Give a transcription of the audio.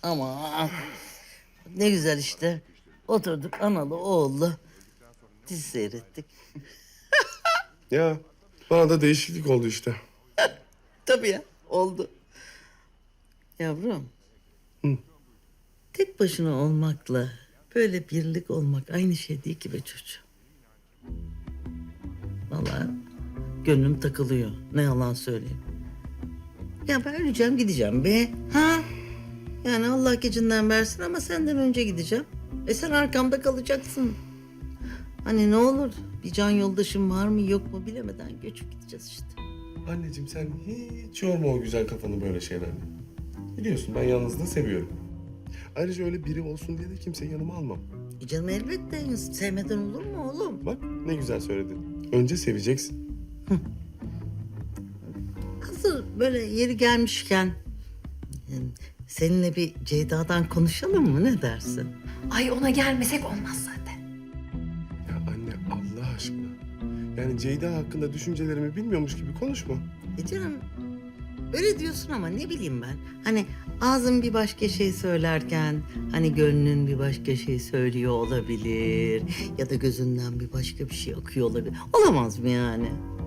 Ama ne güzel işte. Oturduk analı oğullu dizi seyrettik. Ya bana da değişiklik oldu işte. Tabii ya, oldu. Yavrum. Tek başına olmakla böyle birlik olmak aynı şey değil ki be çocuğum. Vallahi gönlüm takılıyor. Ne yalan söyleyeyim. Ya ben öleceğim gideceğim be. Ha? Yani Allah gecinden versin ama senden önce gideceğim. Sen arkamda kalacaksın. Hani ne olur bir can yoldaşım var mı yok mu bilemeden göçüp gideceğiz işte. Anneciğim sen hiç yorma o güzel kafanı böyle şeylerle. Biliyorsun ben yalnızlığı seviyorum. Ayrıca öyle biri olsun diye de kimseyi yanıma almam. Canım elbette sevmeden olur mu oğlum? Bak ne güzel söyledin. Önce seveceksin. Hazır böyle yeri gelmişken yani seninle bir Ceyda'dan konuşalım mı ne dersin? Ay ona gelmesek olmaz zaten. Ya anne Allah aşkına. Yani Ceyda hakkında düşüncelerimi bilmiyormuş gibi konuşma. Canım öyle diyorsun ama ne bileyim ben. Hani ağzın bir başka şey söylerken hani gönlün bir başka şey söylüyor olabilir. Ya da gözünden bir başka bir şey akıyor olabilir. Olamaz mı yani?